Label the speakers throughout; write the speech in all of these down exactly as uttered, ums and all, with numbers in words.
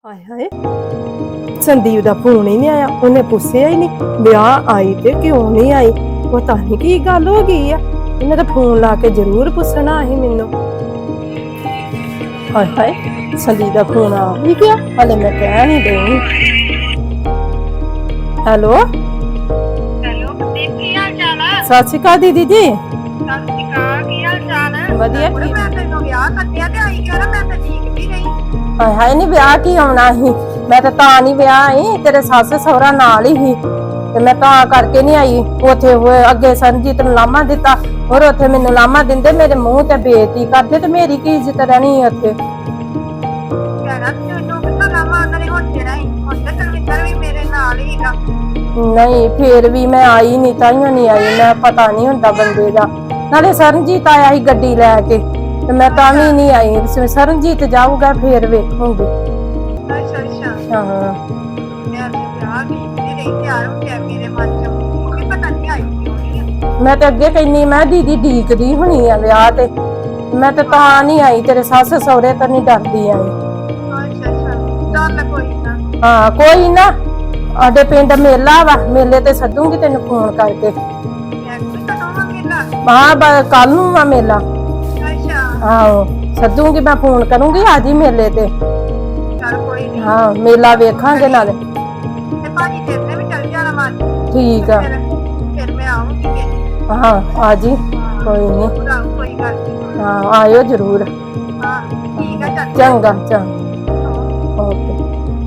Speaker 1: ਹਾਏ ਹਾਏ ਸੰਦੀਪ ਦਾ ਫੋਨ ਹੀ ਨਹੀਂ ਆਇਆ। ਉਹਨੇ ਪੁੱਛਿਆ ਹੀ ਨਹੀਂ ਵਿਆਹ ਆਈ ਤੇ ਕਿਉਂ ਨਹੀਂ ਆਈ। ਪਤਾ ਨਹੀਂ ਕੀ ਗੱਲ ਹੋ ਗਈ ਆ। ਇਹਨੇ ਤਾਂ ਫੋਨ ਲਾ ਕੇ ਜ਼ਰੂਰ ਪੁੱਛਣਾ ਸੀ ਮੈਨੂੰ। ਹਾਏ ਹਾਏ ਸੰਦੀਪ ਦਾ ਫੋਨ ਆ ਵੀ ਗਿਆ। ਹਲੇ ਮੈਂ ਕਹਿ ਨਹੀਂ ਦਊਂ। ਹੈਲੋ
Speaker 2: ਹੈਲੋ ਦੀਪ, ਕੀ ਹਾਲ ਚਾਲ ਆ?
Speaker 1: ਸਤਿ ਸ਼੍ਰੀ ਅਕਾਲ ਦੀਦੀ ਜੀ।
Speaker 2: ਸਤਿ ਸ਼੍ਰੀ ਅਕਾਲ, ਕੀ ਹਾਲ ਚਾਲ ਆ?
Speaker 1: ਵਧੀਆ
Speaker 2: ਕੁੜੇ
Speaker 1: ਠੀਕ।
Speaker 2: ਮੈਂ ਤੈਨੂੰ ਵਿਆਹ ਕੱਟਿਆ ਤੇ ਆਈ ਕਿਉਂ ਨਾ? ਮੈਂ ਤਾਂ ਠੀਕ ਵੀ ਨਹੀਂ।
Speaker 1: ਹਾਏ ਹਾਏ ਨਹੀਂ ਵਿਆਹ ਕੀ ਆਉਣਾ ਸੀ। ਮੈਂ ਤਾਂ ਤਾਂ ਨਹੀਂ ਵਿਆਹ ਆਈ, ਤੇਰੇ ਸੱਸ ਸਹੁਰਾ ਨਾਲ ਹੀ ਸੀ ਤੇ ਮੈਂ ਤਾਂ ਕਰਕੇ ਨਹੀਂ ਆਈ। ਉੱਥੇ ਹੋਏ ਅੱਗੇ ਸਰਨਜੀਤ ਨੂੰ ਲਾਮਾ ਦਿੱਤਾ, ਹੋਰ ਉੱਥੇ ਮੈਨੂੰ ਲਾਮਾ ਦਿੰਦੇ, ਮੇਰੇ ਮੂੰਹ ਤੇ ਬੇਇੱਜ਼ਤੀ ਕਰਦੇ ਤੇ ਮੇਰੀ ਕੀ ਇੱਜ਼ਤ ਰਹਿਣੀ ਉੱਥੇ।
Speaker 2: ਕਹਿਣਾ ਤੈਨੂੰ ਕਿੱਥੋਂ ਲਾਵਾਂ ਉਹਨਾਂ ਨੇ ਹੁਣ ਤੇਰਾ ਹੀ। ਹੁਣ ਤੇ ਕੁਲਵਿੰਦਰ ਵੀ ਮੇਰੇ ਨਾਲ ਹੀ ਹੈਗਾ।
Speaker 1: ਨਹੀਂ ਫੇਰ ਵੀ ਮੈਂ ਆਈ ਨਹੀਂ, ਤਾਈਓ ਨਹੀਂ ਆਈ। ਮੈਂ ਪਤਾ ਨਹੀਂ ਹੁੰਦਾ ਬੰਦੇ ਦਾ। ਨਾਲੇ ਸਰਨਜੀਤ ਆਇਆ ਸੀ ਗੱਡੀ ਲੈ ਕੇ ਤੇ ਮੈਂ ਤਾਂ ਵੀ ਨਹੀਂ ਆਈ। ਸਰਨਜੀਤ ਜਾਊਗਾ ਫੇਰ ਵੇਖੂੰਗੀ।
Speaker 2: ਅੱਛਾ ਅੱਛਾ,
Speaker 1: ਹਾਂ
Speaker 2: ਮੈਂ ਤੇ ਵਿਆਹ ਦੀ ਨਹੀਂ ਤਿਆਰ ਹੋ ਗਿਆ ਮੇਰੇ ਮਨ ਚ। ਕਿ ਪਤਾ ਨਹੀਂ ਆਈ ਕਿਉਂ ਨਹੀਂ।
Speaker 1: ਮੈਂ ਤਾਂ ਅੱਗੇ ਕਹਿੰਨੀ ਮੈਂ ਦੀਦੀ ਡੀਕਦੀ ਹੋਣੀ ਆ ਵਿਆਹ ਤੇ। ਮੈਂ ਤਾਂ ਤਾਂ ਨਹੀਂ ਆਈ, ਤੇਰੇ ਸੱਸ ਸਹੁਰੇ ਤੋਂ ਨਹੀਂ ਡਰਦੀ ਆਈ।
Speaker 2: ਅੱਛਾ ਅੱਛਾ, ਚੱਲ ਕੋਈ ਨਾ।
Speaker 1: ਹਾਂ ਕੋਈ ਨਾ, ਸਾਡੇ ਪਿੰਡ ਮੇਲਾ ਵਾ, ਮੇਲੇ ਤੇ ਸੱਦੂਗੀ ਤੈਨੂੰ ਫੋਨ ਕਰਕੇ।
Speaker 2: ਮੈਂ ਵੀ ਕਦੋਂ ਆ ਮੇਲਾ?
Speaker 1: ਹਾਂ ਕੱਲ ਨੂੰ ਆ ਮੇਲਾ।
Speaker 2: ਅੱਛਾ,
Speaker 1: ਆਹੋ ਸੱਦੂਗੀ, ਮੈਂ ਫੋਨ ਕਰੂੰਗੀ ਆ ਜੀ ਮੇਲੇ ਤੇ।
Speaker 2: ਚੱਲ ਕੋਈ ਨਹੀਂ।
Speaker 1: ਹਾਂ ਮੇਲਾ ਵੇਖਾਂਗੇ ਨਾਲੇ।
Speaker 2: ਤੇ ਭਾਜੀ ਤੇਰੇ ਨੇ ਵੀ ਚੱਲ ਜਾਣਾ ਮਨ।
Speaker 1: ਠੀਕ ਆ।
Speaker 2: ਫਿਰ ਫਿਰ ਮੈਂ ਆਉਂਗੀ ਤੇ
Speaker 1: ਹਾਂ ਆ ਜੀ, ਕੋਈ ਨਹੀਂ।
Speaker 2: ਪੂਰਾ ਕੋਈ ਗੱਲ ਨਹੀਂ।
Speaker 1: ਹਾਂ ਆਇਓ ਜ਼ਰੂਰ।
Speaker 2: ਹਾਂ ਠੀਕ ਆ, ਚੱਲ
Speaker 1: ਚੰਗਾ ਚੰਗਾ ਓਕੇ।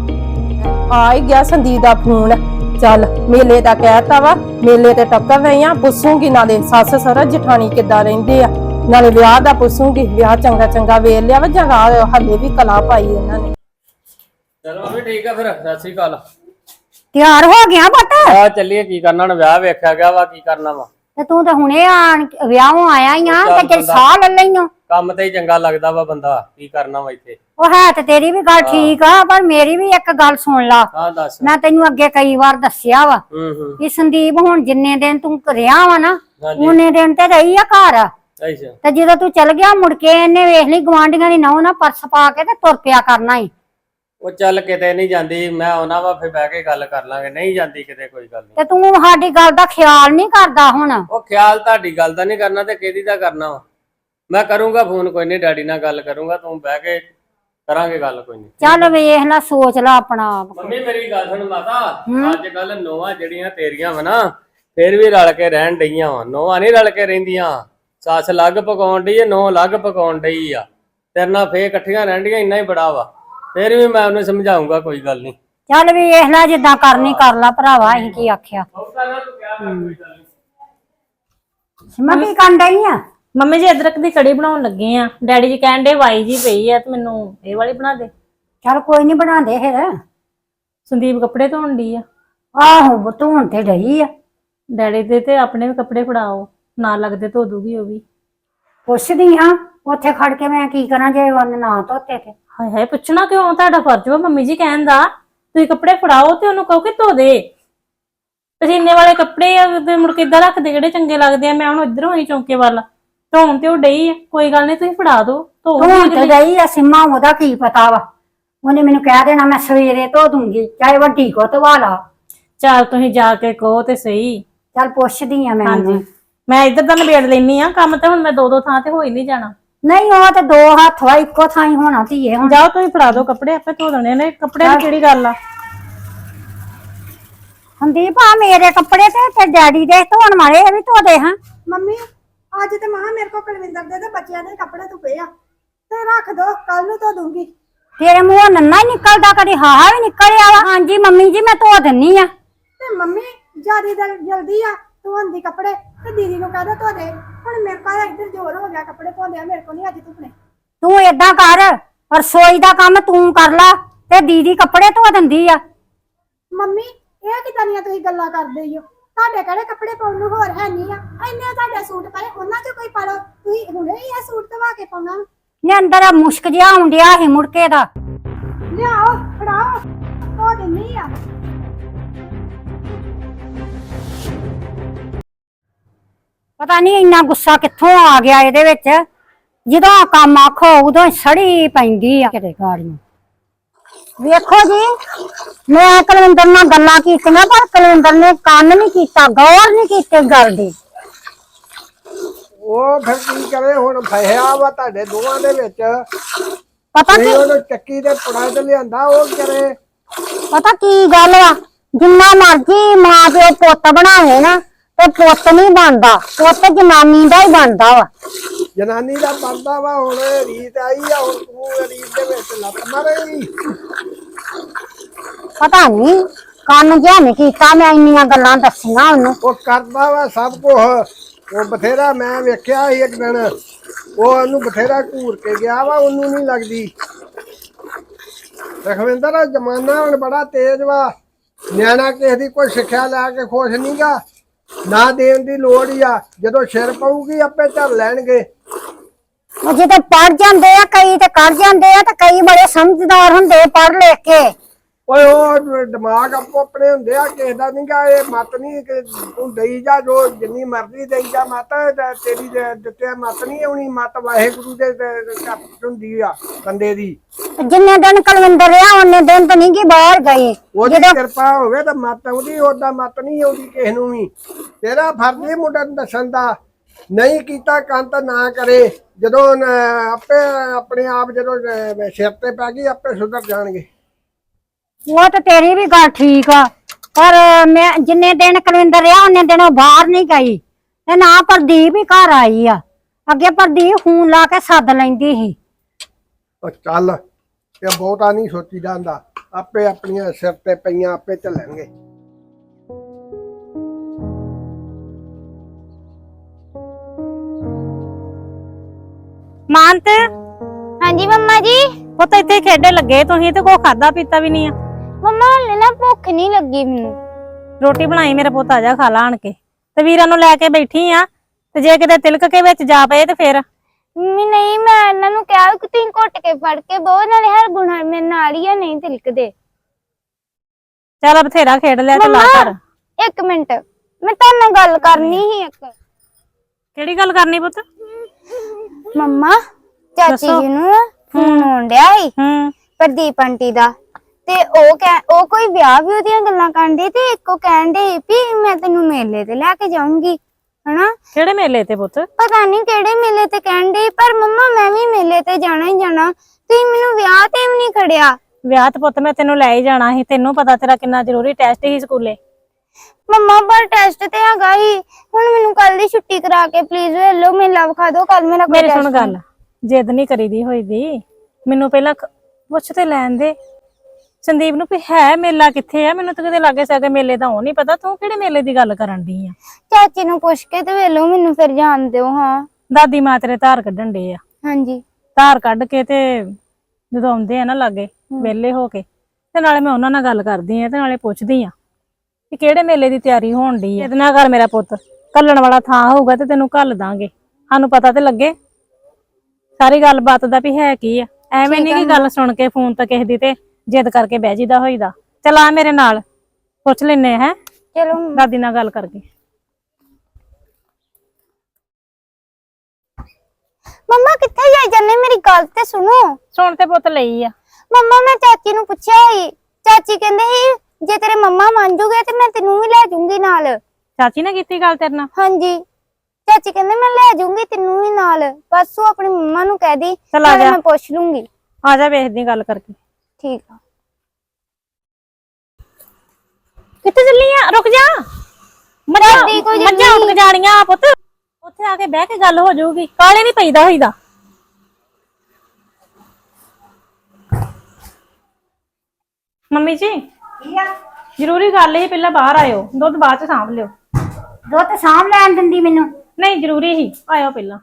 Speaker 1: ਆ ਹੀ ਗਿਆ ਸੰਦੀਪ ਦਾ ਫੋਨ। ਚੱਲ ਮੇਲੇ ਦਾ ਕਹਿਤਾ ਵਾ, ਮੇਲੇ ਤੇ ਟੱਕਰ ਰਹੀ ਆ। ਪੁੱਛੂਗੀ ਨਾਲੇ ਸੱਸ ਸਹੁਰਾ ਜਠਾਣੀ ਕਿੱਦਾਂ ਰਹਿੰਦੇ ਆ, ਨਾਲੇ ਵਿਆਹ ਦਾ ਪੁੱਛੂਗੀ। ਵਿਆਹ ਚੰਗਾ ਚੰਗਾ ਵੇਖ ਲਿਆ ਵਾ ਜਗਾ, ਹੱਲੇ ਵੀ ਕਲਾ ਪਾਈ ਇਹਨਾਂ ਨੇ।
Speaker 3: ਚਲੋ ਮੰਮੀ ਠੀਕ ਆ ਫਿਰ। ਸਤਿ ਸ੍ਰੀ ਅਕਾਲ।
Speaker 4: ਤਿਆਰ ਹੋ ਗਿਆ ਪੁੱਤ?
Speaker 3: ਆ ਚੱਲੀਏ, ਕੀ ਕਰਨਾ ਹੁਣ? ਵਿਆਹ ਵੇਖਿਆ ਗਿਆ ਵਾ, ਕੀ ਕਰਨਾ ਵਾ।
Speaker 4: ਤੇ ਤੂੰ ਤਾਂ ਹੁਣੇ ਆਣ ਵਿਆਹੋਂ ਆਇਆ ਹੀ ਆ ਤੇ ਜੇ ਸਾਹ ਲੈ ਲਈਓ।
Speaker 3: ਕੰਮ ਤੇ ਹੀ ਚੰਗਾ ਲੱਗਦਾ ਵਾ ਬੰਦਾ, ਕੀ ਕਰਨਾ ਵਾ ਇੱਥੇ।
Speaker 4: ਉਹ ਹੈ ਤੇ ਤੇਰੀ ਵੀ ਗੱਲ ਠੀਕ ਆ, ਪਰ ਮੇਰੀ ਵੀ ਇੱਕ ਗੱਲ ਸੁਣ ਲਾ।
Speaker 3: ਹਾਂ ਦੱਸ।
Speaker 4: ਮੈਂ ਤੈਨੂੰ ਅੱਗੇ ਕਈ ਵਾਰ ਦੱਸਿਆ ਵਾ
Speaker 3: ਹੂੰ ਹੂੰ
Speaker 4: ਕਿ ਸੰਦੀਪ ਹੁਣ ਜਿੰਨੇ ਦਿਨ ਤੂੰ ਰਿਹਾ ਵਾ ਨਾ,
Speaker 3: ਹਾਂਜੀ।
Speaker 4: ਉਹਨੇ ਦਿਨ ਤੇ ਰਹੀ ਆ ਘਰ।
Speaker 3: ਅੱਛਾ
Speaker 4: ਤੇ ਜਦੋਂ ਤੂੰ ਚਲ ਗਿਆ ਮੁੜ ਕੇ ਇਹਨੇ ਵੇਖ ਲਈ ਗਵਾਂਢੀਆਂ ਦੀ ਨਹੁੰ ਨਾ ਪਰਸ ਪਾ ਕੇ ਤੇ ਤੁਰ ਪਿਆ ਕਰਨਾ ਈ।
Speaker 3: ਉਹ ਚੱਲ ਕਿਤੇ ਨਹੀਂ ਜਾਂਦੀ, ਮੈਂ ਆਉਣਾ ਵਾ ਫਿਰ ਬਹਿ ਕੇ ਗੱਲ ਕਰ ਲਾਂਗੇ। ਨਹੀਂ ਜਾਂਦੀ ਕਿਤੇ, ਕੋਈ ਗੱਲ ਨਹੀਂ।
Speaker 4: ਤੇ ਤੂੰ ਸਾਡੀ ਗੱਲ ਦਾ ਖਿਆਲ ਨਹੀਂ ਕਰਦਾ ਹੁਣ।
Speaker 3: ਉਹ ਖਿਆਲ ਤੁਹਾਡੀ ਗੱਲ ਦਾ ਨਹੀਂ ਕਰਨਾ ਤੇ ਕਿਹਦੀ ਦਾ ਕਰਨਾ ਵਾ। ਮੈਂ ਕਰੂੰਗਾ ਫੋਨ, ਕੋਈ ਨਹੀਂ, ਡੈਡੀ ਨਾਲ ਗੱਲ ਕਰੂੰਗਾ। ਤੂੰ ਬਹਿ ਕੇ ਕਰਾਂਗੇ ਗੱਲ, ਕੋਈ ਨਹੀਂ।
Speaker 4: ਚੱਲ ਵੇਖ ਲੈ, ਸੋਚ ਲੈ ਆਪਣਾ ਆਪ।
Speaker 3: ਮੰਮੀ ਮੇਰੀ ਗੱਲ ਸੁਣ ਮਾਤਾ, ਅੱਜ ਕੱਲ ਨੋਹਾਂ ਜਿਹੜੀਆਂ ਤੇਰੀਆਂ ਵਾ ਨਾ, ਫੇਰ ਵੀ ਰਲ ਕੇ ਰਹਿਣ ਡਈਆਂ ਵਾ। ਨੋਹਾਂ ਨਹੀਂ ਰਲ ਕੇ ਰਹਿੰਦੀਆਂ। ਸੱਸ ਲੱਗ ਪਕਾਉਣ ਡਈ, ਨੋਹ ਲੱਗ ਪਕਾਉਣ ਡਈ ਆ। ਤੇਰੇ ਨਾਲ ਫੇਰ ਇਕੱਠੀਆਂ ਰਹਿਣ ਡੀਆਂ, ਇੰਨਾ ਹੀ ਬੜਾ ਵਾ। ਫੇਰ ਵੀ ਮੈਂ ਉਹਨੂੰ ਸਮਝਾਉਂਗਾ, ਕੋਈ ਗੱਲ ਨਹੀਂ।
Speaker 4: ਚੱਲ ਵੇਖ ਲੈ, ਜਿੱਦਾਂ ਕਰਨੀ ਕਰ ਲਾ ਭਰਾਵਾ, ਅਸੀਂ ਕੀ ਆਖਿਆ। ਮੈਂ ਕੀ ਕਰਨ ਡਈ ਆ?
Speaker 5: ਮੰਮੀ ਜੀ ਅਦਰਕ ਦੀ ਕੜੀ ਬਣਾਉਣ ਲੱਗੇ ਆ। ਡੈਡੀ ਜੀ ਕਹਿਣ ਦੇ ਵਾਈ ਜੀ ਪਈ ਆ ਤੇ ਮੈਨੂੰ ਇਹ ਵਾਲੀ ਬਣਾ ਦੇ।
Speaker 4: ਚੱਲ ਕੋਈ ਨਹੀਂ, ਬਣਾ ਦੇ ਫਿਰ।
Speaker 5: ਸੰਦੀਪ ਕੱਪੜੇ ਧੋਣ ਦੀ ਆ।
Speaker 4: ਆਹੋ ਧੋਣ ਤੇ ਡਈ ਆ।
Speaker 5: ਡੈਡੀ ਦੇ ਤੇ ਆਪਣੇ ਵੀ ਕੱਪੜੇ ਫੜਾਓ, ਨਾਲ ਲੱਗਦੇ ਧੋ ਦੂਗੀ ਉਹ ਵੀ।
Speaker 4: ਪੁੱਛਦੀ ਹਾਂ, ਉੱਥੇ ਖੜ ਕੇ ਮੈਂ ਕੀ ਕਰਾਂ ਜੇ ਉਹਨੇ ਨਾ ਧੋਤੇ ਤੇ।
Speaker 5: ਹਾਏ ਹਾਏ ਪੁੱਛਣਾ ਕਿਉਂ? ਤੁਹਾਡਾ ਫਰਜ਼ ਵਾ ਮੰਮੀ ਜੀ ਕਹਿਣ ਦਾ। ਤੁਸੀਂ ਕੱਪੜੇ ਫੜਾਓ ਤੇ ਉਹਨੂੰ ਕਹੋ ਕਿ ਧੋ ਦੇ। ਪਸੀਨੇ ਵਾਲੇ ਕੱਪੜੇ ਆ ਤੇ ਮੁੜ ਕੇ ਏਦਾਂ ਰੱਖਦੇ ਜਿਹੜੇ ਚੰਗੇ ਲੱਗਦੇ ਆ। ਮੈਂ ਹੁਣ ਇੱਧਰੋਂ ਆਈ ਚੌਂਕੇ ਵੱਲ, ਧੋਣ ਤੇ ਉਹ ਡਈ ਆ। ਕੋਈ ਗੱਲ ਨਹੀਂ, ਤੁਸੀਂ ਫੜਾ ਦੋ, ਧੋ
Speaker 4: ਧੋਣ ਤੇ ਡਈ ਆ ਸਿੰਮਾ, ਉਹਦਾ ਕੀ ਪਤਾ ਵਾ। ਉਹਨੇ ਮੈਨੂੰ ਕਹਿ ਦੇਣਾ ਮੈਂ ਸਵੇਰੇ ਧੋ ਦੂੰਗੀ, ਚਾਹੇ ਵੱਡੀ ਕੋ ਧਵਾ ਲਾ।
Speaker 5: ਚੱਲ ਤੁਸੀਂ ਜਾ ਕੇ ਕਹੋ ਤੇ ਸਹੀ।
Speaker 4: ਚੱਲ ਪੁੱਛਦੀ ਆ ਮੈਂ।
Speaker 5: ਹਾਂਜੀ ਮੈਂ ਇੱਧਰ ਦਾ ਨਿਬੇੜ ਲੈਣੀ ਆ ਕੰਮ, ਤੇ ਹੁਣ ਮੈਂ ਦੋ ਦੋ ਥਾਂ ਤੇ ਹੋ ਹੀ ਨਹੀਂ ਜਾਣਾ।
Speaker 4: ਨਹੀਂ ਉਹ ਤੇ ਦੋ ਹੱਥ ਵਾ, ਇੱਕੋ ਥਾਂ ਹੀ ਹੋਣਾ ਧੀਏ। ਹੁਣ
Speaker 5: ਜਾਓ ਤੁਸੀਂ ਫੜਾ ਦੋ ਕੱਪੜੇ, ਆਪੇ ਧੋ ਦੇਣੇ ਨੇ। ਕੱਪੜਿਆਂ ਦੀ ਕਿਹੜੀ ਗੱਲ ਆ।
Speaker 4: ਸੰਦੀਪ ਆ ਮੇਰੇ ਕੱਪੜੇ ਤੇ ਤੇ ਡੈਡੀ ਦੇ ਧੋਣ ਵਾਲੇ, ਇਹ ਵੀ ਧੋ ਦੇ। ਹਾਂ
Speaker 6: ਮੰਮੀ ਅੱਜ ਤੇ ਮਹਾ ਮੇਰੇ ਕੋ ਕੁਲਵਿੰਦਰ ਦੇ ਤੇ ਬੱਚਿਆਂ ਦੇ ਕੱਪੜੇ ਧੁੱਪੇ ਪਏ ਆ, ਤੇ ਰੱਖ ਦੋ, ਕੱਲ ਨੂੰ ਧੋ ਦੂੰਗੀ।
Speaker 4: ਤੇਰੇ ਮੂੰਹੋਂ ਨੰਨਾ ਹੀ ਨਿਕਲਦਾ, ਕਦੀ ਹਾਹਾ ਵੀ ਨਿਕਲਿਆ ਵਾ। ਹਾਂਜੀ ਮੰਮੀ ਜੀ ਮੈਂ ਧੋ ਦਿੰਨੀ ਆ।
Speaker 6: ਤੇ ਮੰਮੀ ਜਿਆਦੀ ਜਲਦੀ ਆ ਧੋਣ ਦੀ ਕੱਪੜੇ, ਤੇ ਦੀਦੀ ਨੂੰ ਕਹਿ ਦੋ ਧੋ ਦੇ। ਹੁਣ ਮੇਰੇ ਕੋਲ ਇੱਧਰ ਜ਼ੋਰ ਹੋ ਗਿਆ ਕੱਪੜੇ ਧੋਂਦਿਆਂ, ਮੇਰੇ ਕੋਲ ਨਹੀਂ ਅੱਜ ਧੁੱਪਣੇ।
Speaker 4: ਤੂੰ ਏਦਾਂ ਕਰ, ਰਸੋਈ ਦਾ ਕੰਮ ਤੂੰ ਕਰ ਲਾ ਤੇ ਦੀਦੀ ਕੱਪੜੇ ਧੋ ਦਿੰਦੀ ਆ।
Speaker 6: ਮੰਮੀ ਇਹ ਕਿਦਾਂ ਦੀਆਂ ਤੁਸੀਂ ਗੱਲਾਂ ਕਰਦੇ ਹੋ? ਤੁਹਾਡੇ ਕਿਹੜੇ ਕੱਪੜੇ ਪਾਉਣ ਨੂੰ ਹੋਰ ਹੈ ਨਹੀਂ ਆ? ਇੰਨੇ ਤੁਹਾਡੇ ਸੂਟ ਪਏ, ਉਹਨਾਂ ਚੋਂ ਕੋਈ ਪਾ ਲਓ। ਤੁਸੀਂ ਹੁਣੇ ਹੀ ਇਹ ਸੂਟ ਧਵਾ ਕੇ ਪਾਉਣਾ।
Speaker 4: ਨੇ ਅੰਦਰ ਆ ਮੁਸ਼ਕ ਜਿਹਾ ਆਉਂਦਿਆ ਸੀ ਮੁੜਕੇ ਦਾ।
Speaker 6: ਲਿਆਓ ਫੜਾਓ, ਧੋ ਦਿੰਨੀ ਆ।
Speaker 4: ਪਤਾ ਨਹੀਂ ਇੰਨਾ ਗੁੱਸਾ ਕਿੱਥੋਂ ਆ ਗਿਆ ਇਹਦੇ ਵਿੱਚ। ਜਦੋਂ ਕੰਮ ਆਖੋ ਉਦੋਂ ਸੜੀ ਪੈਂਦੀ ਆ ਕਿਤੇ ਗਾੜੀਆਂ। ਵੇਖੋ ਜੀ ਮੈਂ ਕੁਲਵਿੰਦਰ ਨਾਲ ਗੱਲਾਂ ਕੀਤੀਆਂ ਪਰ ਕੁਲਵਿੰਦਰ ਨੇ ਕੰਨ ਨਹੀਂ ਕੀਤਾ, ਗੌਰ ਨਹੀਂ ਕੀਤੀ ਗੱਲ ਦੀ।
Speaker 7: ਉਹ ਫਿਰ ਕੀ ਕਰੇ ਹੁਣ ਫਸਿਆ ਵਾ ਤੁਹਾਡੇ ਦੋਵਾਂ ਦੇ ਵਿੱਚ।
Speaker 4: ਪਤਾ ਕੀ
Speaker 7: ਨਹੀਂ ਉਹਨੂੰ ਚੱਕੀ ਦੇ ਪੁੜਾ ਤੇ ਲਿਆਂਦਾ, ਉਹ ਕੀ ਕਰੇ।
Speaker 4: ਪਤਾ ਕੀ ਗੱਲ ਵਾ, ਜਿੰਨਾ ਮਰਜੀ ਮਾਂ ਪਿਓ ਪੁੱਤ ਬਣਾਵੇ ਨਾ ਤੇ ਪੁੱਤ ਨਹੀਂ ਬਣਦਾ, ਪੁੱਤ ਜਨਾਨੀ ਦਾ ਹੀ ਬਣਦਾ ਵਾ।
Speaker 7: ਜਨਾਨੀ ਦਾ ਬਣਦਾ ਵਾ। ਹੁਣ ਰੀਤ ਆਈ ਆ, ਹੁਣ ਤੂੰ ਰੀਤ ਦੇ ਵਿੱਚ ਲੱਤ ਮਾਰੇਗੀ।
Speaker 4: ਪਤਾ ਨਹੀਂ ਕੰਨ ਜਿਹਾ ਨਹੀਂ ਕੀਤਾ, ਮੈਂ ਇੰਨੀਆਂ ਗੱਲਾਂ ਦੱਸੀਆਂ ਉਹਨੂੰ।
Speaker 7: ਉਹ ਕਰਦਾ ਵਾ ਸਭ ਕੁਛ। ਉਹ ਬਥੇਰਾ ਮੈਂ ਵੇਖਿਆ ਸੀ ਇੱਕ ਦਿਨ, ਉਹ ਉਹਨੂੰ ਬਥੇਰਾ ਘੂਰ ਕੇ ਗਿਆ ਵਾ, ਉਹਨੂੰ ਨਹੀਂ ਲੱਗਦੀ। ਰਖਵਿੰਦਰ ਦਾ ਜ਼ਮਾਨਾ ਹੁਣ ਬੜਾ ਤੇਜ਼ ਵਾ। ਨਿਆਣਾ ਕਿਸੇ ਦੀ ਕੋਈ ਸਿੱਖਿਆ ਲੈ ਕੇ ਖੁਸ਼ ਨਹੀਂਗਾ, ਨਾ ਦੇਣ ਦੀ ਲੋੜ ਹੀ ਆ। ਜਦੋਂ ਸਿਰ ਪਊਗੀ ਆਪੇ ਝੱਲ ਲੈਣਗੇ।
Speaker 4: ਉਹ ਜਿਹਦੇ ਪੜ ਜਾਂਦੇ ਆ ਕਈ ਤੇ ਕਰ ਜਾਂਦੇ ਆ, ਤੇ ਕਈ ਬੜੇ ਸਮਝਦਾਰ ਹੁੰਦੇ ਪੜ ਲਿਖ ਕੇ।
Speaker 7: ਓਏ ਉਹ ਦਿਮਾਗ ਆਪੋ ਆਪਣੇ ਹੁੰਦੇ ਆ, ਕਿਸੇ ਦਾ ਨਹੀਂਗਾ। ਇਹ ਮਤ ਨਹੀਂ ਕਿ ਤੂੰ ਦਈ ਜਾ, ਜੋ ਜਿੰਨੀ ਮਰਜ਼ੀ ਦਈ ਜਾ ਮਤ, ਤੇਰੀ ਦਿੱਤੇ ਮਤ ਨਹੀਂ ਆਉਣੀ। ਮਤ ਵਾਹਿਗੁਰੂ ਦੇ ਘਰ ਹੁੰਦੀ ਆ ਬੰਦੇ ਦੀ।
Speaker 4: ਜਿੰਨੇ ਦਿਨ ਕੁਲਵਿੰਦਰ ਰਿਹਾ ਉਹਨੇ ਦਿਨ ਤਾਂ ਨਹੀਂ ਗਈ ਬਾਹਰ ਗਈ।
Speaker 7: ਉਹਦੀ ਕਿਰਪਾ ਹੋਵੇ ਤਾਂ ਮਤ ਆਉਂਦੀ, ਓਦਾਂ ਮਤ ਨਹੀਂ ਆਉਂਦੀ ਕਿਸੇ ਨੂੰ ਵੀ। ਤੇਰਾ ਫਰਜ਼ ਹੀ ਮੁੰਡਾ ਨੂੰ ਦੱਸਣ ਦਾ। ਨਹੀਂ ਕੀਤਾ ਕੰਨ ਤਾਂ ਨਾ ਕਰੇ। ਜਦੋਂ ਆਪੇ ਆਪਣੇ ਆਪ ਜਦੋਂ ਸਿਰ ਤੇ ਪੈ ਗਈ ਆਪੇ ਸੁਧਰ ਜਾਣਗੇ।
Speaker 4: ਉਹ ਤਾਂ ਤੇਰੀ ਵੀ ਗੱਲ ਠੀਕ ਆ, ਪਰ ਮੈਂ ਜਿੰਨੇ ਦਿਨ ਕੁਲਵਿੰਦਰ ਰਿਹਾ ਉਹਨੇ ਦਿਨ ਉਹ ਬਾਹਰ ਨਹੀਂ ਗਈ, ਤੇ ਨਾ ਪ੍ਰਦੀਪ ਹੀ ਘਰ ਆਈ ਆ। ਅੱਗੇ ਪ੍ਰਦੀਪ ਫੋਨ ਲਾ ਕੇ ਸੱਦ ਲੈਂਦੀ ਸੀ।
Speaker 7: ਉਹ ਚੱਲ, ਇਹ ਬਹੁਤਾ ਨਹੀਂ ਸੋਚੀ ਜਾਂਦਾ। ਆਪੇ ਆਪਣੀਆਂ ਸਿਰ ਤੇ ਪਈਆਂ ਆਪੇ ਝੱਲਣਗੇ।
Speaker 5: ਮਾਨਤ
Speaker 2: ਹਾਂਜੀ ਮੰਮਾ ਜੀ।
Speaker 5: ਉਹ ਤਾਂ ਇੱਥੇ ਖੇਡੇ ਲੱਗੇ ਤੁਸੀਂ ਤੇ ਕੋ ਖਾਦਾ ਪੀਤਾ ਵੀ ਨਹੀਂ ਆ।
Speaker 2: ਮੰਮਾ ਹਲੇ ਨਾ ਭੁੱਖ ਨਹੀਂ ਲੱਗੀ ਮੈਨੂੰ।
Speaker 5: ਰੋਟੀ ਬਣਾਈ ਮੇਰਾ ਪੁੱਤ, ਆ ਜਾ ਖਾ ਲਾ ਆਣ ਕੇ। ਤੇ ਵੀਰਾਂ ਨੂੰ ਲੈ ਕੇ ਬੈਠੀ ਆ, ਤੇ ਜੇ ਕਿਤੇ ਤਿਲਕ ਕੇ ਵਿੱਚ ਜਾ ਪਏ ਤੇ ਫੇਰ।
Speaker 2: ਮੰਮੀ ਨਹੀਂ, ਮੈਂ ਇਹਨਾਂ ਨੂੰ ਕਿਹਾ ਕਿ ਤੁਸੀਂ ਘੁੱਟ ਕੇ ਫੜ ਕੇ ਬਹੁਤ ਨਾਲੇ ਹਰ ਗੁਣ ਮੇਰੇ ਨਾਲ ਹੀ ਆ, ਨਹੀਂ ਤਿਲਕਦੇ।
Speaker 5: ਚੱਲ ਬਥੇਰਾ ਖੇਡ ਲਿਆ, ਤੇ ਲਾ ਕਰ।
Speaker 2: ਇੱਕ ਮਿੰਟ, ਮੈਂ ਤੁਹਾਡੇ ਨਾਲ ਗੱਲ ਕਰਨੀ ਸੀ ਇੱਕ।
Speaker 5: ਕਿਹੜੀ ਗੱਲ ਕਰਨੀ ਪੁੱਤ?
Speaker 2: ਮੰਮਾ ਚਾਚੀ ਜੀ ਨੂੰ ਫੋਨ ਆਉਣ ਡਿਆ ਸੀ
Speaker 5: ਹੂੰ
Speaker 2: ਪ੍ਰਦੀਪ ਆਂਟੀ ਦਾ, ਤੇ ਉਹ ਕਹਿ ਉਹ ਕੋਈ ਵਿਆਹ ਵੀ ਉਹਦੀਆਂ ਗੱਲਾਂ ਕਰਦੇ, ਤੇ ਇੱਕੋ ਕਹਿਣ ਦੇ ਵੀ ਮੈਂ ਤੈਨੂੰ ਮੇਲੇ ਤੇ ਲੈ ਕੇ ਜਾਊਂਗੀ, ਹਨਾ।
Speaker 5: ਕਿਹੜੇ ਮੇਲੇ ਤੇ ਪੁੱਤ?
Speaker 2: ਪਤਾ ਨਹੀਂ ਕਿਹੜੇ ਮੇਲੇ ਤੇ ਕਹਿਣ ਦੇ, ਪਰ ਮੰਮਾ ਮੈਂ ਵੀ ਮੇਲੇ ਤੇ ਜਾਣਾ ਹੀ ਜਾਣਾ। ਤੁਸੀਂ ਮੈਨੂੰ ਵਿਆਹ ਤੇ ਵੀ ਨਹੀਂ ਖੜਿਆ।
Speaker 5: ਵਿਆਹ ਤੇ ਪੁੱਤ ਮੈਂ ਤੈਨੂੰ ਲੈ ਹੀ ਜਾਣਾ ਸੀ, ਤੈਨੂੰ ਪਤਾ ਤੇਰਾ ਕਿੰਨਾ ਜ਼ਰੂਰੀ ਟੈਸਟ ਸੀ ਸਕੂਲੇ।
Speaker 2: ਮੰਮਾ ਪਰ ਟੈਸਟ ਤੇ ਹੈਗਾ ਹੀ। ਹੁਣ ਮੈਨੂੰ ਕੱਲ ਦੀ ਛੁੱਟੀ ਕਰਾ ਕੇ ਪਲੀਜ਼ ਲੈ ਲਓ, ਮੇਲਾ ਵਿਖਾ ਦਿਓ ਕੱਲ ਮੇਰਾ।
Speaker 5: ਮੇਰੀ ਸੁਣ ਗੱਲ, ਜਿੱਦ ਨਹੀਂ ਕਰੀਦੀ ਹੋਈ ਦੀ। ਮੈਨੂੰ ਪਹਿਲਾਂ ਪੁੱਛ ਤੇ ਲੈਣ ਦੇ ਸੰਦੀਪ ਨੂੰ ਵੀ ਹੈ ਮੇਲਾ ਕਿੱਥੇ ਆ। ਮੈਨੂੰ ਤਾਂ ਕਿਤੇ ਲਾਗੇ ਸਾਗੇ ਮੇਲੇ ਦਾ ਉਹ ਨਹੀਂ ਪਤਾ, ਤੂੰ ਕਿਹੜੇ ਮੇਲੇ ਦੀ ਗੱਲ ਕਰਨ ਦੀ ਆ?
Speaker 2: ਚਾਚੀ ਨੂੰ ਪੁੱਛ ਕੇ ਤੇ ਵੇਲੋ ਮੈਨੂੰ ਫਿਰ ਜਾਣ ਦਿਓ। ਹਾਂ
Speaker 5: ਦਾਦੀ ਮਾਂ ਤੇਰੇ ਧਾਰ ਕੱਢਣ ਡੇ ਆ।
Speaker 2: ਹਾਂਜੀ
Speaker 5: ਧਾਰ ਕੱਢ ਕੇ ਤੇ ਜਦੋਂ ਆਉਂਦੇ ਆ ਨਾ ਲਾਗੇ ਵਿਹਲੇ ਹੋ ਕੇ, ਤੇ ਨਾਲੇ ਮੈਂ ਉਹਨਾਂ ਨਾਲ ਗੱਲ ਕਰਦੀ ਆ, ਤੇ ਨਾਲੇ ਪੁੱਛਦੀ ਆ ਕਿ ਕਿਹੜੇ ਮੇਲੇ ਦੀ ਤਿਆਰੀ ਹੋਣ ਡਈ ਆ। ਇਹਦੇ ਨਾਲ ਘਰ ਮੇਰਾ ਪੁੱਤ ਕੱਲਣ ਵਾਲਾ ਥਾਂ ਹੋਊਗਾ ਤੇ ਤੈਨੂੰ ਘੱਲ ਦਾਂਗੇ, ਸਾਨੂੰ ਪਤਾ ਤੇ ਲੱਗੇ ਸਾਰੀ ਗੱਲਬਾਤ ਦਾ ਵੀ ਹੈ ਕੀ ਆ। ਐਵੇਂ ਨਹੀਂ ਕਿ ਗੱਲ ਸੁਣ ਕੇ ਫੋਨ ਤੇ ਕਿਸੇ ਦੀ ਤੇ ਜਿੱਦ ਕਰਕੇ ਬਹਿ ਜੀਦਾ ਹੋਈਦਾ। ਚਲ ਆ ਮੇਰੇ ਨਾਲ ਪੁੱਛ ਲੈਨੇ ਹੈ
Speaker 2: ਚਲੋ
Speaker 5: ਦਾਦੀ ਨਾਲ ਗੱਲ ਕਰਕੇ।
Speaker 2: ਮੰਮਾ ਕਿੱਥੇ ਜਾਈ ਜਾਂਦੇ, ਮੇਰੀ ਗੱਲ ਤੇ ਸੁਣੋ।
Speaker 5: ਸੁਣ ਤੇ ਪੁੱਤ ਲਈ ਆ।
Speaker 2: ਮੰਮਾ ਮੈਂ ਚਾਚੀ ਨੂੰ ਪੁੱਛਿਆ ਸੀ, ਚਾਚੀ ਕਹਿੰਦੇ ਸੀ ਜੇ ਤੇਰੇ ਮੰਮਾ ਮੰਨ ਜੂਗੇ ਤੇ ਮੈਂ ਤੈਨੂੰ ਵੀ ਲੈ ਜਾਊਂਗੀ ਨਾਲ।
Speaker 5: ਚਾਚੀ ਨੇ ਕੀਤੀ ਗੱਲ ਤੇਰੇ ਨਾਲ?
Speaker 2: ਹਾਂਜੀ ਚਾਚੀ ਕਹਿੰਦੇ ਮੈਂ ਲੈ ਜਾਊਂਗੀ ਤੈਨੂੰ ਵੀ ਨਾਲ, ਬਸ ਉਹ ਆਪਣੀ ਮੰਮਾ ਨੂੰ ਕਹਿ ਦੀ,
Speaker 5: ਚੱਲ ਆ ਜਾ।
Speaker 2: ਮੈਂ ਪੁੱਛ ਲੂੰਗੀ।
Speaker 5: ਆ ਜਾ ਵੇਖਦੀ ਗੱਲ ਕਰਕੇ।
Speaker 2: ਠੀਕ ਆ।
Speaker 5: ਕਿੱਥੇ ਚੱਲੀ ਆ? ਰੁਕ ਜਾ,
Speaker 2: ਦਾਦੀ ਕੋਈ
Speaker 5: ਮੱਝਾਂ ਉੱਠ ਜਾਣੀਆਂ ਪੁੱਤ। ਉੱਥੇ ਆ ਕੇ ਬਹਿ ਕੇ ਗੱਲ ਹੋ ਜਾਊਗੀ, ਕਾਲੇ ਨਹੀਂ ਪਈਦਾ ਹੋਈਦਾ। ਮੰਮੀ ਜੀ ਜ਼ਰੂਰੀ ਗੱਲ ਹੀ, ਪਹਿਲਾਂ ਬਾਹਰ ਆਇਓ, ਦੁੱਧ ਬਾਅਦ ਚ ਸਾਂਭ ਲਿਓ।
Speaker 4: ਦੁੱਧ ਸਾਂਭ ਲੈਣ ਦਿੰਦੀ ਮੈਨੂੰ?
Speaker 5: ਨਹੀਂ ਜ਼ਰੂਰੀ ਹੀ, ਆਇਓ ਪਹਿਲਾਂ।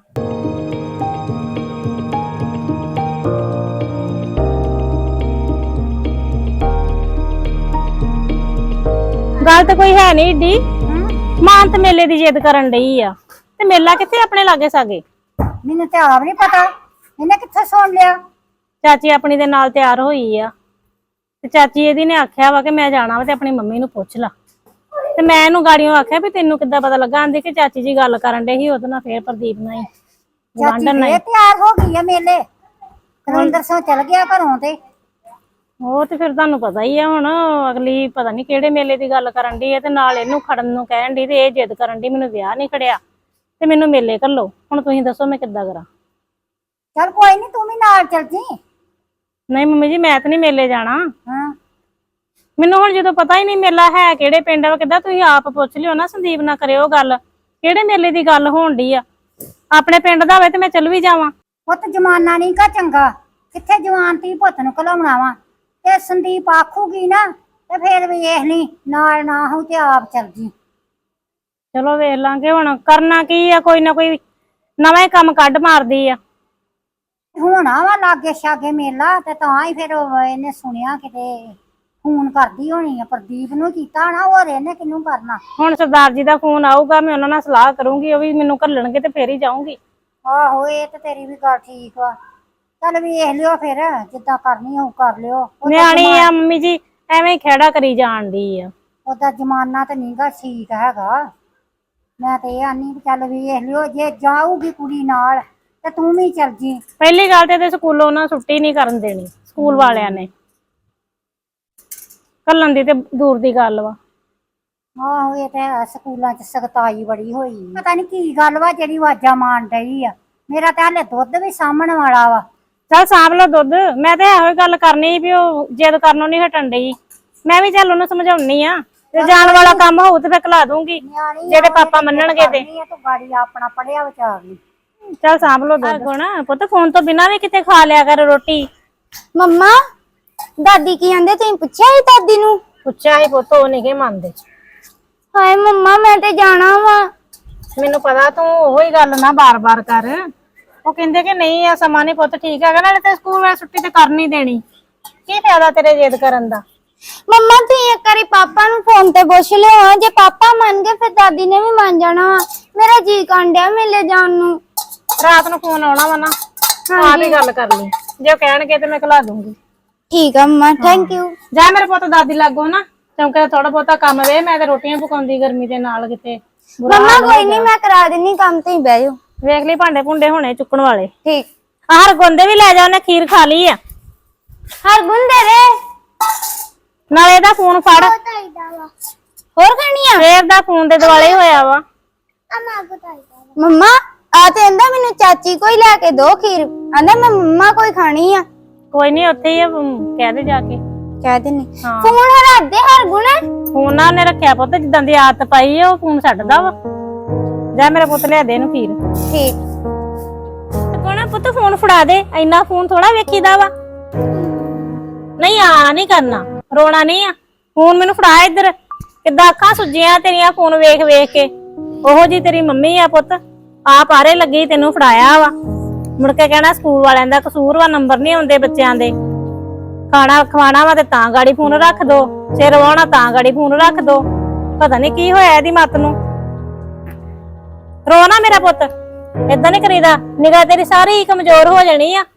Speaker 5: ਗੱਲ ਤਾਂ ਕੋਈ ਹੈ ਨਹੀਂ ਏਡੀ। ਮਾਨ ਤੇ ਮੇਲੇ ਦੀ ਜਿੱਦ ਕਰਨ ਡਈ ਆ, ਤੇ ਮੇਲਾ ਕਿੱਥੇ ਆਪਣੇ ਲਾਗੇ ਸਾਗੇ।
Speaker 4: ਮੈਨੂੰ ਤੇ ਆਪ ਨਹੀਂ ਪਤਾ, ਇਹਨੇ ਕਿੱਥੇ ਸੁਣ ਲਿਆ।
Speaker 5: ਚਾਚੀ ਆਪਣੀ ਦੇ ਨਾਲ ਤਿਆਰ ਹੋਈ ਆ, ਤੇ ਚਾਚੀ ਇਹਦੀ ਨੇ ਆਖਿਆ ਵਾ ਕਿ ਮੈਂ ਜਾਣਾ ਵਾ ਤੇ ਆਪਣੀ ਮੰਮੀ ਨੂੰ ਪੁੱਛ ਲਾ। ਤੇ ਮੈਂ ਇਹਨੂੰ ਗਾੜੀਆਂ ਆਖਿਆ ਵੀ ਤੈਨੂੰ ਕਿੱਦਾਂ ਪਤਾ ਲੱਗਾ? ਆਂਦੀ ਕਿ ਚਾਚੀ ਜੀ ਗੱਲ ਕਰਨ ਡੇ ਸੀ ਉਹਦੇ ਨਾਲ, ਫੇਰ ਪ੍ਰਦੀਪ ਨਾਲ ਹੀ
Speaker 4: ਚਾਚੀ ਫੇਰ ਤਿਆਰ ਹੋ ਗਈ ਆ ਮੇਲੇ। ਕੁਲਵਿੰਦਰ ਸਿੰਘ ਚਲ ਗਿਆ ਘਰੋਂ ਤੇ
Speaker 5: ਉਹ ਤੇ ਫਿਰ ਤੁਹਾਨੂੰ ਪਤਾ ਹੀ ਆ ਹੁਣ ਅਗਲੀ ਪਤਾ ਨਹੀਂ ਕਿਹੜੇ ਮੇਲੇ ਦੀ ਗੱਲ ਕਰਨ ਦੀ ਹੈ ਤੇ ਨਾਲ ਇਹਨੂੰ ਖੜਨ ਨੂੰ ਕਹਿਣ ਦੀ ਤੇ ਇਹ ਜਿੱਦ ਕਰਨ ਦੀ ਮੈਨੂੰ ਵਿਆਹ ਨਹੀਂ ਖੜਿਆ ਤੇ ਮੈਨੂੰ ਮੇਲੇ ਘੱਲੋ। ਹੁਣ ਤੁਸੀਂ ਦੱਸੋ ਮੈਂ ਕਿੱਦਾਂ ਕਰਾਂ?
Speaker 4: ਚਲ ਕੋਈ ਨਹੀਂ, ਤੂੰ ਵੀ ਨਾਲ ਚੱਲ ਜੀ।
Speaker 5: ਨਹੀਂ ਮੰਮੀ ਜੀ ਮੈਂ ਤਾਂ ਨਹੀਂ ਮੇਲੇ ਜਾਣਾ।
Speaker 4: ਹਾਂ
Speaker 5: ਮੈਨੂੰ ਹੁਣ ਜਦੋਂ ਪਤਾ ਹੀ ਨਹੀਂ ਮੇਲਾ ਹੈ ਕਿਹੜੇ ਪਿੰਡ ਵਾ ਕਿੱਦਾਂ, ਤੁਸੀਂ ਆਪ ਪੁੱਛ ਲਿਓ ਨਾ, ਸੰਦੀਪ ਨਾ ਕਰਿਓ ਗੱਲ ਕਿਹੜੇ ਮੇਲੇ ਦੀ ਗੱਲ ਹੋਣ ਡਈ ਆ। ਆਪਣੇ ਪਿੰਡ ਦਾ ਹੋਵੇ ਤੇ ਮੈਂ ਚੱਲ ਵੀ ਜਾਵਾਂ।
Speaker 4: ਪੁੱਤ ਜਮਾਨਾ ਨਹੀਂ ਕਾ ਚੰਗਾ, ਕਿੱਥੇ ਜਵਾਨ ਤੀ ਪੁੱਤ ਨੂੰ ਘਲਾਉਣਾ ਵਾ। ਤੇ ਸੰਦੀਪ ਆਖੂਗੀ ਨਾ ਤੇ ਫੇਰ ਵੇਖ ਲਈ, ਨਾਲ ਨਾ ਹੋ ਤੇ ਆਪ ਚੱਲ ਜੀ।
Speaker 5: ਚਲੋ ਵੇਖ ਲਾਂਗੇ, ਹੁਣ ਕਰਨਾ ਕੀ ਆ, ਕੋਈ ਨਾ ਕੋਈ ਨਵਾਂ ਹੀ ਕੰਮ ਕੱਢ ਮਾਰਦੀ ਆ।
Speaker 4: ਹੋਣਾ ਵਾ ਲਾਗੇ ਛਾਗੇ ਮੇਲਾ ਤੇ ਤਾਂ ਹੀ ਫਿਰ ਉਹ ਇਹਨੇ ਸੁਣਿਆ ਕਿਤੇ ਫੋਨ ਕਰਦੀ ਹੋਣੀ ਆ। ਪ੍ਰਦੀਪ ਨੂੰ ਕੀਤਾ ਨਾ, ਹੋਰ ਇਹਨੇ ਕਿਹਨੂੰ ਕਰਨਾ।
Speaker 5: ਹੁਣ ਸਰਦਾਰ ਜੀ ਦਾ ਫੋਨ ਆਊਗਾ, ਮੈਂ ਉਹਨਾਂ ਨਾਲ ਸਲਾਹ ਕਰੂੰਗੀ, ਉਹ ਵੀ ਮੈਨੂੰ ਘੱਲਣਗੇ ਤੇ ਫੇਰ ਹੀ ਜਾਊਂਗੀ।
Speaker 4: ਆਹੋ ਇਹ ਤੇ ਤੇਰੀ ਵੀ ਗੱਲ ਠੀਕ ਵਾ। ਚੱਲ ਵੇਖ ਲਿਓ ਫਿਰ, ਜਿੱਦਾਂ ਕਰਨੀ ਹੋਊ ਕਰ ਲਿਓ। ਉਹਦਾ
Speaker 5: ਨਿਆਣੀ
Speaker 4: ਜਮਾ-
Speaker 5: ਆ ਮੰਮੀ ਜੀ, ਐਵੇਂ ਹੀ ਖੇੜਾ ਕਰੀ ਜਾਣ ਡਈ ਆ।
Speaker 4: ਉਹਦਾ ਜ਼ਮਾਨਾ ਤੇ ਨਹੀਂਗਾ ਠੀਕ ਹੈਗਾ। ਮੈਂ ਤੇ ਇਹ ਆਨੀ ਵੀ ਚੱਲ ਵੇਖ ਲਿਓ, ਜੇ ਜਾਊਗੀ ਕੁੜੀ ਨਾਲ ਤੇ ਤੂੰ ਵੀ ਚੱਲ ਜੀ।
Speaker 5: ਪਹਿਲੀ ਗੱਲ ਤੇ ਇਹਦੇ ਸਕੂਲੋਂ ਨਾ ਛੁੱਟੀ ਨਹੀਂ ਕਰਨ ਦੇਣੀ ਸਕੂਲ ਵਾਲਿਆਂ ਨੇ, ਘੱਲਣ ਦੀ ਤੇ ਦੂਰ ਦੀ ਗੱਲ ਵਾ।
Speaker 4: ਆਹੋ ਇਹ ਤੇ ਹੈ, ਸਕੂਲਾਂ 'ਚ ਸਖਤਾਈ ਬੜੀ ਹੋਈ। ਪਤਾ ਨਹੀਂ ਕੀ ਗੱਲ ਵਾ ਜਿਹੜੀ ਆਵਾਜ਼ਾਂ ਮਾਰਨ ਡਈ ਆ। ਮੇਰਾ ਤੇ ਹਾਲੇ ਦੁੱਧ ਵੀ ਸਾਂਭਣ ਵਾਲਾ ਵਾ।
Speaker 5: ਚੱਲ ਸਾਂਭ ਲਓ ਦੁੱਧ। ਮੈਂ ਤੇ ਇਹੋ ਹੀ ਗੱਲ ਕਰਨੀ ਵੀ ਉਹ ਜਿੱਦ ਕਰਨੋਂ ਨਹੀਂ ਹਟਣ ਡਈ। ਮੈਂ ਵੀ ਚੱਲ ਉਹਨੂੰ ਸਮਝਾਉਣੀ ਆ, ਤੇ ਜਾਣ ਵਾਲਾ ਕੰਮ ਹੋਊ ਤੇ ਫਿਰ ਖਲਾ ਦੂੰਗੀ
Speaker 4: ਨਿਆਣੀ
Speaker 5: ਜਿਹੜੇ ਪਾਪਾ ਮੰਨਣਗੇ ਤੇ।
Speaker 4: ਕਰਨੀ ਆ ਤੂੰ ਗਾੜੀ ਆਪਣਾ ਪੜਿਆ ਵਿਚਾਰ ਲਈ।
Speaker 5: ਚੱਲ ਸਾਂਭ ਲਓ ਦੁੱਧ। ਗੁਣ ਪੁੱਤ ਫੋਨ ਤੋਂ ਬਿਨਾਂ ਵੀ ਕਿਤੇ ਖਾ ਲਿਆ ਕਰ ਰੋਟੀ।
Speaker 2: ਮੰਮਾ ਦਾਦੀ ਕੀ ਕਹਿੰਦੇ, ਤੁਸੀਂ ਪੁੱਛਿਆ ਸੀ ਦਾਦੀ ਨੂੰ?
Speaker 5: ਪੁੱਛਿਆ ਹੀ ਪੁੱਤ, ਉਹ ਨਹੀਂ ਗੇ ਮੰਨਦੇ।
Speaker 2: ਹਾਏ ਮੰਮਾ ਮੈਂ ਤੇ ਜਾਣਾ ਵਾ।
Speaker 5: ਮੈਨੂੰ ਪਤਾ, ਤੂੰ ਉਹੀ ਗੱਲ ਨਾ ਬਾਰ-ਬਾਰ ਕਰ। ਉਹ ਕਹਿੰਦੇ ਕਿ ਨਹੀਂ ਆ ਸਮਾਂ ਨਹੀਂ ਪੁੱਤ ਠੀਕ ਹੈਗਾ, ਨਾਲੇ ਤੇ ਸਕੂਲ ਵਾਲੀ ਛੁੱਟੀ ਤੇ ਕਰ ਨਹੀਂ ਦੇਣੀ। ਕੀ ਫਾਇਦਾ ਤੇਰੇ ਜਿੱਦ ਕਰਨ ਦਾ?
Speaker 2: ਮੰਮਾ ਤੁਸੀਂ ਇੱਕ ਵਾਰੀ ਪਾਪਾ ਨੂੰ ਫੋਨ ਤੇ ਪੁੱਛ ਲਿਓ, ਜੇ ਪਾਪਾ ਮੰਨ ਗਏ ਫਿਰ ਦਾਦੀ ਨੇ ਵੀ ਮੰਨ ਜਾਣਾ ਵਾ। ਮੇਰਾ ਜੀ ਕਾਂਡਿਆ ਮੇਲੇ ਜਾਣ ਨੂੰ।
Speaker 5: ਰਾਤ ਨੂੰ ਫੋਨ ਆਉਣਾ ਵਾ ਨਾ, ਆਪ ਹੀ ਗੱਲ ਕਰ ਲਈ। ਜੇ ਉਹ ਕਹਿਣਗੇ ਤੇ ਮੈਂ ਖਿਲਾ ਦੂੰਗੀ।
Speaker 2: ਠੀਕ ਆ ਮੰਮਾ, ਥੈਂਕ ਯੂ।
Speaker 5: ਜਾ ਮੇਰੇ ਪੁੱਤ ਦਾਦੀ ਲੱਗੋ ਨਾ, ਕਿਉਂਕਿ ਥੋੜਾ ਬਹੁਤਾ ਕੰਮ ਵੇ। ਮੈਂ ਤੇ ਰੋਟੀਆਂ ਪਕਾਉਂਦੀ ਗਰਮੀ ਦੇ ਨਾਲ ਕਿਤੇ ਬੁਰਾ
Speaker 2: ਮੰਮਾ
Speaker 5: ਹਾਲ ਹੋ
Speaker 2: ਕੋਈ ਨਹੀਂ,
Speaker 5: ਗਿਆ।
Speaker 2: ਮੈਂ ਕਰਾ ਦਿੰਨੀ ਕੰਮ, ਤੁਸੀਂ ਬਹਿ ਜਾਓ।
Speaker 5: ਵੇਖ ਲਈ ਭਾਂਡੇ ਭੁੰਡੇ ਹੋਣੇ ਚੁੱਕਣ ਵਾਲੇ।
Speaker 2: ਠੀਕ।
Speaker 5: ਆਹਰ ਗੁੰਦੇ ਵੀ ਲੈ ਜਾ, ਉਹਨੇ ਖੀਰ ਖਾ ਲਈ ਆ।
Speaker 2: ਹਰਗੁਣ ਦੇ ਦੇ
Speaker 5: ਨਾਲੇ ਇਹਦਾ ਫੋਨ ਫੜ,
Speaker 2: ਹੋਰ ਖਾਣੀ ਆ?
Speaker 5: ਫੇਰ ਦਾ ਫੋਨ ਦੇ ਦੁਆਲੇ ਹੋਇਆ ਵਾ।
Speaker 2: ਮੰਮਾ ਆ ਤੇ ਕਹਿੰਦਾ ਮੈਨੂੰ ਚਾਚੀ ਕੋਈ ਲੈ ਕੇ ਦੋ ਖੀਰ, ਕਹਿੰਦਾ ਮੈਂ ਮੰਮਾ ਕੋਈ ਖਾਣੀ ਆ।
Speaker 5: ਕੋਈ ਨਹੀਂ, ਉੱਥੇ ਹੀ ਆ, ਅਮ, ਕਹਿ ਦੇ ਜਾ ਕੇ।
Speaker 2: ਕਹਿ ਦਿੰਨੀ।
Speaker 5: ਹਾਂ।
Speaker 2: ਫੋਨ ਹਰਾ ਦੇ ਹਰਗੁਣ।
Speaker 5: ਫੋਨ ਨਾ ਉਹਨੇ ਰੱਖਿਆ ਪੁੱਤ, ਜਿੱਦਾਂ ਦੀ ਆਦਤ ਪਾਈ ਆ ਉਹ ਫੋਨ ਛੱਡਦਾ ਵਾ। ਜਾ ਮੇਰਾ ਪੁੱਤ ਲਿਆ ਦੇ ਇਹਨੂੰ ਖੀਰ।
Speaker 2: ਠੀਕ।
Speaker 5: ਕੋਣਾ ਪੁੱਤ ਫੋਨ ਫੜਾ ਦੇ, ਇੰਨਾ ਫੋਨ ਥੋੜਾ ਵੇਖੀਦਾ ਵਾ। ਨਹੀਂ ਆ ਨਹੀਂ ਕਰਨਾ, ਰੋਣਾ ਨਹੀਂ ਆ। ਫੋਨ ਮੈਨੂੰ ਫੜਾ ਇੱਧਰ। ਕਿੱਦਾਂ ਅੱਖਾਂ ਸੁੱਜੀਆਂ ਤੇਰੀਆਂ ਫੋਨ ਵੇਖ ਵੇਖ ਕੇ। ਉਹੋ ਜੀ ਤੇਰੀ ਮੰਮੀ ਆ ਪੁੱਤ, ਆਪ ਆਰੇ ਲੱਗੀ ਤੈਨੂੰ ਫੜਾਇਆ ਵਾ। ਮੁੜ ਕੇ ਕਹਿਣਾ ਸਕੂਲ ਵਾਲਿਆਂ ਦਾ ਕਸੂਰ ਵਾ, ਨੰਬਰ ਨਹੀਂ ਆਉਂਦੇ ਬੱਚਿਆਂ ਦੇ। ਖਾਣਾ ਖਵਾਣਾ ਵਾ ਤੇ ਤਾਂ ਗਾੜੀ ਫੋਨ ਰੱਖ ਦੋ, ਸਿਰ ਵਾਉਣਾ ਤਾਂ ਗਾੜੀ ਫੋਨ ਰੱਖ ਦੋ। ਪਤਾ ਨਹੀਂ ਕੀ ਹੋਇਆ ਇਹਦੀ ਮੱਤ ਨੂੰ। ਰੋ ਨਾ ਮੇਰਾ ਪੁੱਤ, ਏਦਾਂ ਨਹੀਂ ਕਰੀਦਾ। ਨਿਗਾਹ ਤੇਰੀ ਸਾਰੀ ਕਮਜ਼ੋਰ ਹੋ ਜਾਣੀ ਆ।